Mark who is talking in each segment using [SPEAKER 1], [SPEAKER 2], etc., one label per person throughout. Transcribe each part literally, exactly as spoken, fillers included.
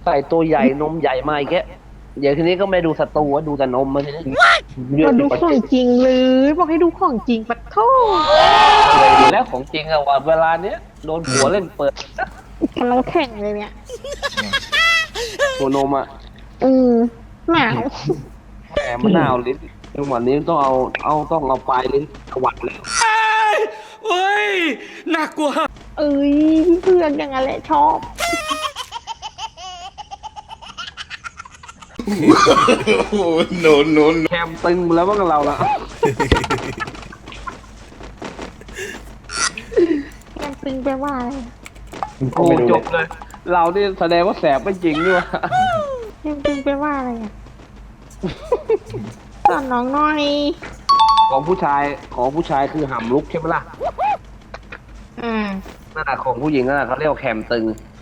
[SPEAKER 1] ใส่ตัวใหญ่นมใหญ่มาอีกแค่เดี๋ยวทีนี้ก็ไม่ดูศัตรูว่าดูแต่นมมาทีนี้เลือ
[SPEAKER 2] มา
[SPEAKER 1] ด
[SPEAKER 2] ดูของจริงเลยบอกให้ดูของจริงปะโท
[SPEAKER 1] เลยแล้วของจริงอะว่าเวลาเนี้ยโดนผัวเล่นเปิด
[SPEAKER 2] กำลังแข่งเลยเนี่ย
[SPEAKER 1] หัวนมอะ
[SPEAKER 2] อืมหนาว
[SPEAKER 1] แหมมะนาวลิ้นจังหวะนี้ต้องเอาเอาต้องเอาปลายลิ้นตวัดเลย
[SPEAKER 3] เฮ้ยน่ากลัว
[SPEAKER 2] เอ้ยเพื่อนอย่างนั้นแหละชอบ
[SPEAKER 3] โอ้โนโนโน
[SPEAKER 1] แคมตึงแล้วว่ากับเราละ
[SPEAKER 2] แกมตึงไปว่าอะไร
[SPEAKER 1] โอ้จบเลยเรานี่แสดงว่าแสบไม่จริงด้วย
[SPEAKER 2] แกมตึงไปว่าอะไรอ่ะสอนน้องหน่อย
[SPEAKER 1] ของผู้ชายของผู้ชายคือห่ำลุกใช่ไหมล่ะ
[SPEAKER 2] อ่า
[SPEAKER 1] นั่นแหะของผู้หญิงนั่นแหะเขาเรียกว่าแคมตึง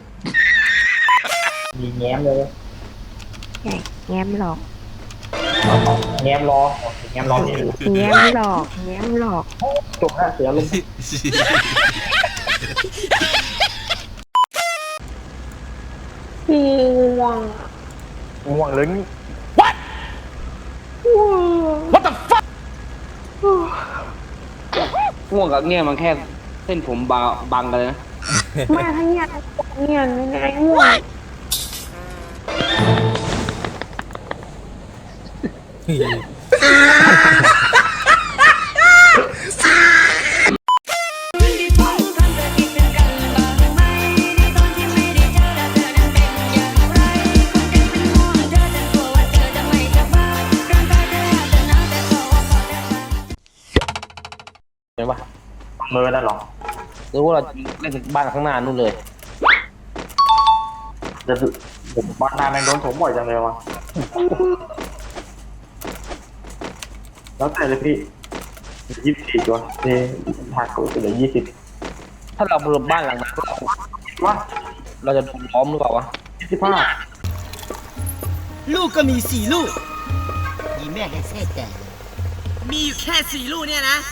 [SPEAKER 4] มีแง้มเลย
[SPEAKER 2] ใหญ่แง้มหลอก
[SPEAKER 4] แง้มล้อแง้มล้อนี่
[SPEAKER 2] แง้มหลอกแง้มหลอก
[SPEAKER 4] จบแล้วเสือลง
[SPEAKER 2] ง่วง
[SPEAKER 4] ง่วงเลย
[SPEAKER 3] What What the fuck
[SPEAKER 1] ง่วงกับเงี้ยมันแค่เส้นผมบางบังกันเลยนะ
[SPEAKER 2] ไม่ทั้งเงียนเงียนไม่ไงง่วง
[SPEAKER 1] เห็นปะ
[SPEAKER 4] มือนั่นหรอ
[SPEAKER 1] หรือว่าเราเล่นบ้านข้างหน้านู่นเลย
[SPEAKER 4] จะผมบ้านนาแมงโดนผมบ่อยจังเลยวะแล้วแต่เลยพี่ยี่สิบสี่ตัวเท่หักกูเหลือยี่สิบ
[SPEAKER 1] ถ้าเราเพิ่มบ้านหลังนั้น
[SPEAKER 4] ว่า
[SPEAKER 1] เราจะโดนล้อมหรือเปล่าวะ
[SPEAKER 4] ยี่สิบห้า
[SPEAKER 3] ลูกก็มีสี่ลูกมีแม่แค่แค่แต่มีอยู่แค่สี่ลูกเนี่ยนะ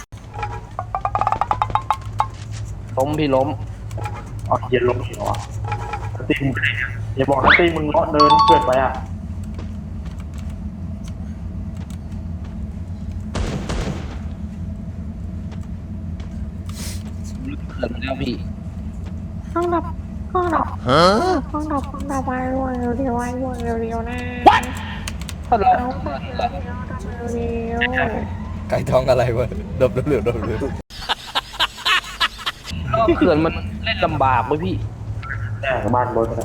[SPEAKER 1] ล้มพี่ล้ม
[SPEAKER 4] อ๋อเย็นลงเหรอตีมึงอย่าบอกนะตีมึงเลาะเดินเกิดไปอ่ะ
[SPEAKER 1] เกิดแล้วพี่
[SPEAKER 2] ห้องดับห้องดับห้องดับห้องดับวายวางเร็วๆวายวางเร็วๆนะ
[SPEAKER 1] ถ้าเรา
[SPEAKER 2] เร็ว
[SPEAKER 5] ไก่ทองอะไรวะดบดบเหลือดบเหลือ
[SPEAKER 1] ก็เขื่อนมันเล่นลำบากเลยพี่
[SPEAKER 4] แน่บ้านบนนะ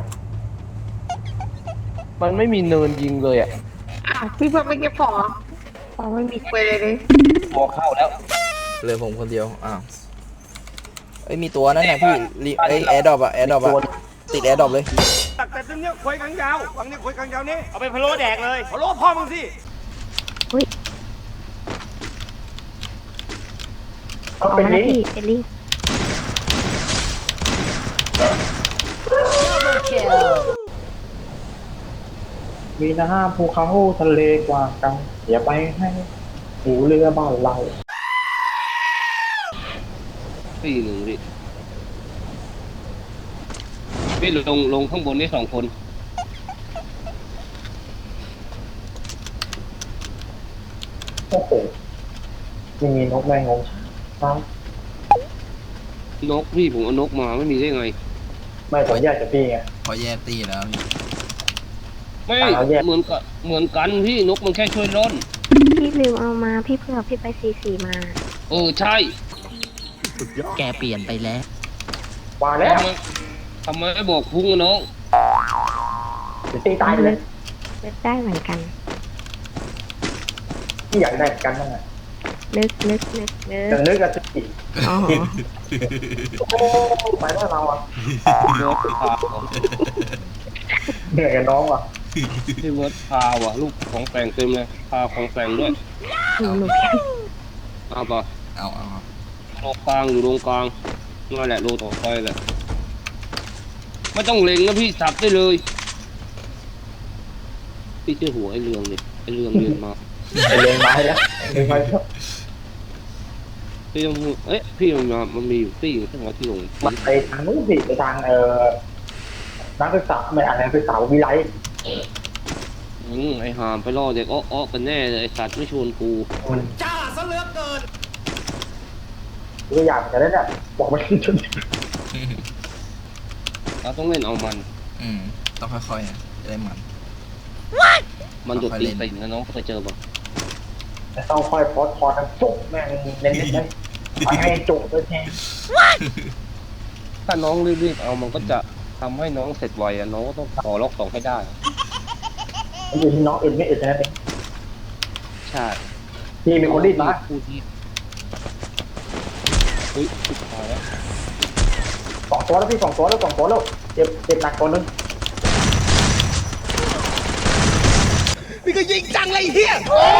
[SPEAKER 1] มันไม่มีเนินยิงเลยอ่ะ
[SPEAKER 2] อ่ะพี่เพิ่มไม่เก็บของอ๋อไม่มีคุยเลยเลย
[SPEAKER 1] พอเข้าแล้ว
[SPEAKER 5] เหลือผมคนเดียวอ้าวเอ้ยมีตัวนั่นแหละพี่ไอแอร์ดรอปอะแอร์ดรอปอะติดแอร์ดรอปเลย
[SPEAKER 3] ตักแต่ตรงนี้คุยกันยาวฝั่งนี้คุยกันยาวนี้เอาไปพะโล้แดกเลยพะโล้พ่อมึงสิ
[SPEAKER 2] อุ้ย
[SPEAKER 4] เอาไปนี่
[SPEAKER 2] เอลลี่
[SPEAKER 4] มีนะฮะภูเขาทะเลกว้างไกลอย่าไปให้หูเรือบ้านเรา
[SPEAKER 1] พี่หนึ่งพี่พี่ลงลงข้างบนนี่สองคน
[SPEAKER 4] โอ้โหยังมีนกแมงงงครับ
[SPEAKER 1] นกพี่ผมเอานกมาไม่มีได้ไง
[SPEAKER 4] ไม่ขอแยกจากพี่ไง
[SPEAKER 5] พอแยกตีแล้วพี่
[SPEAKER 1] ไม่เหมือนกับเหมือนกันพี่นกมันแค่ช่วยร่น
[SPEAKER 2] พี่ลืมเอามาพี่เพิ่งเอาพี่ไปซีซีมา
[SPEAKER 1] เออใช่
[SPEAKER 5] แกเปลี่ยนไปแล้ว
[SPEAKER 4] ว่าแล้ว
[SPEAKER 1] ทำไมไม่บอกพุ่งน้อง
[SPEAKER 4] จะตีตายเลย
[SPEAKER 2] ได้เหมือนกัน
[SPEAKER 4] ที่อยากได้เหมือนกันนั่นแหละ
[SPEAKER 2] นึกนึกนึกนึก
[SPEAKER 4] จะนึกกันสิ
[SPEAKER 2] อ๋อ
[SPEAKER 4] โอ้ไปแล้วเราอ่ะ
[SPEAKER 1] เนื้อพา
[SPEAKER 4] เหนื่อยกับน้องว่ะ
[SPEAKER 1] ที่เวิร์ดพาว่ะลูกของแต่งเต็มเลยพาของแต่งด้วย
[SPEAKER 2] หนูหนู
[SPEAKER 1] เอาป่ะ
[SPEAKER 5] เอาเอา
[SPEAKER 1] โลกลางอยู่ตรงกลางนั่นแหละโลต่อไปแหละไม่ต้องเล็งนะพี่สับได้เลยพี่เชื่อหัวไอ้เรืองเนี่ยไอ้เรืองเรียนมา
[SPEAKER 4] ไอเรียนมาแล้วเรียนมาแล้ว
[SPEAKER 1] พี่ยังเอ๊ะพี่มันมามันมีอยู่ที่ที่หัวที่ลง
[SPEAKER 4] มันไปทางนู้นสิไปทางเอ่อนักศึกษาไม่อ่านนักศึกษาวิไล
[SPEAKER 1] อืมไอหามไปล่อเด็กอ้ออ้อกันแน่เลยไอสัตว์ไม่ชวนกู
[SPEAKER 4] มัน
[SPEAKER 3] จ้าซะเหลือเกิน
[SPEAKER 4] ตัวอย่างจะได้เนี่ยบอกมันจน
[SPEAKER 1] เราต้องเล่นเอามัน
[SPEAKER 5] อืมต้องค่อยๆนะจะได้มัน
[SPEAKER 1] มันดุด
[SPEAKER 5] ค่อยๆ
[SPEAKER 1] ตี
[SPEAKER 5] เล่น
[SPEAKER 1] ติ่งนะน้องเคยเจอป่ะ
[SPEAKER 4] แต่ต้องค่อยพอดพอดจุกแม่งเน้นๆเลยไปให้จุกเลยแทน
[SPEAKER 1] ถ้าน้องรีบๆเอามันก็จะทำให้น้องเสร็จไวอะน้องก็ต้องขอล็อกสองให้ได้
[SPEAKER 4] มันอยู่ที่น้องเอ็นไม่เอ็นนะเนี่ย
[SPEAKER 1] ใช่
[SPEAKER 4] พี่มีคนรีดมา
[SPEAKER 1] พูดที่อุ้ยสุดท้ายแล้ว
[SPEAKER 4] สองตัวแล้วพี่สองตัวแล้วสองตัวแล้วเจ็บเจ็บหนักตัวนึง
[SPEAKER 3] นี่ก็ยิงจังเลยเฮีย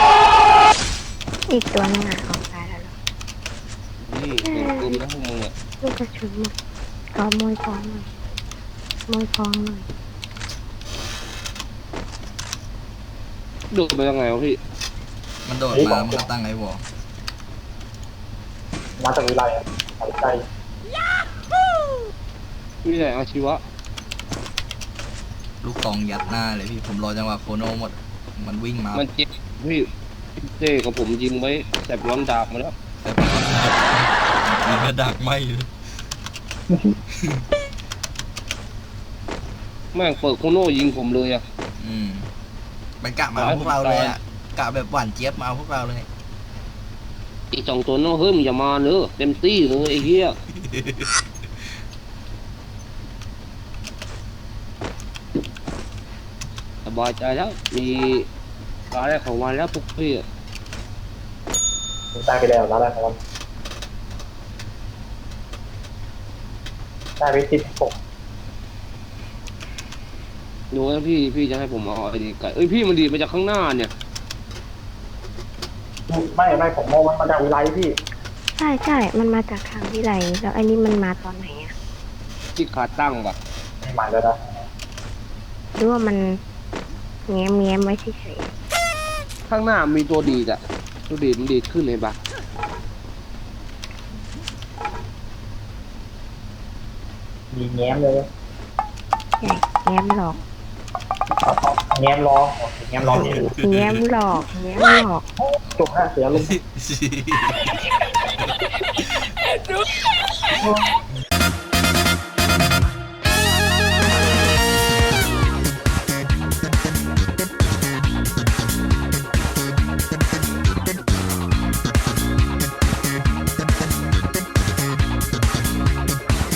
[SPEAKER 2] อีกตัวนึงอ่ะออกตายแล้วเหรอ
[SPEAKER 1] นี่เก่งกึมนะพวกมึงเนี่ย
[SPEAKER 2] ลูกกระชุนหมดขอมวยทองหน่อยมวยทองหน่อย
[SPEAKER 1] ดูไปยังไงวะพี่
[SPEAKER 5] มันโดดมามันก็ตั้งไอ้วอล
[SPEAKER 4] มาจากวิไลอ่ะตัดใจ
[SPEAKER 1] พี่ไหนอาชีวะ
[SPEAKER 5] ลูกตองยัดหน้าเลยพี่ผมรอจังหวะโคโนหมด มันวิ่งมา
[SPEAKER 1] มันเจ็บพี่เจ้กับผมยิงไว้แสบร้อนดาบมาแล้ว
[SPEAKER 5] แต่มันก็ดักไม่เลย
[SPEAKER 1] แม่งเปิดโคโน่ยิงผมเลยอะ
[SPEAKER 5] อืมมันกะมาเอาพวกเราเลยอ่ะกะแบบหวานเจี๊ยบมาเอาพวกเราเลย
[SPEAKER 1] อีกสองตัวน้องเฮ้ยมึงอย่ามาเนอะเต็มที่เลยไอ้เหี้ยสบายใจแล้วมีอะไรของวันแล้วพวกพี่อะ
[SPEAKER 4] ได้ไปแล้วแล้วนะครับได้ไปติดปก
[SPEAKER 1] ดูแล้วพี่พี่จะให้ผมเอาไอ้ดีไก่เอ้ยพี่มันดีดมาจากข้างหน้าเนี่ย
[SPEAKER 4] ไม่ไม่ผมมองมันมาจากวิไลพี่
[SPEAKER 2] ใช่ใช่มันมาจากทางวิไลแล้วอันนี้มันมาตอนไหนอ่ะ
[SPEAKER 1] ที่ขาตั้งปะ
[SPEAKER 4] ไม่หมายแล้วนะ
[SPEAKER 2] หรือว่ามันแง้มแง้มไว้เฉย
[SPEAKER 1] ข้างหน้ามีตัวดีดอะตัวดีดมันดีดขึ้นเลยปะ
[SPEAKER 4] มีแง้มเลย
[SPEAKER 2] ๆใช่แง้มหลอก
[SPEAKER 4] แง้มรอแง้มรอนี่
[SPEAKER 2] แง้มหลอกแง้มหลอก
[SPEAKER 4] จบห้าเสียลุง
[SPEAKER 5] แ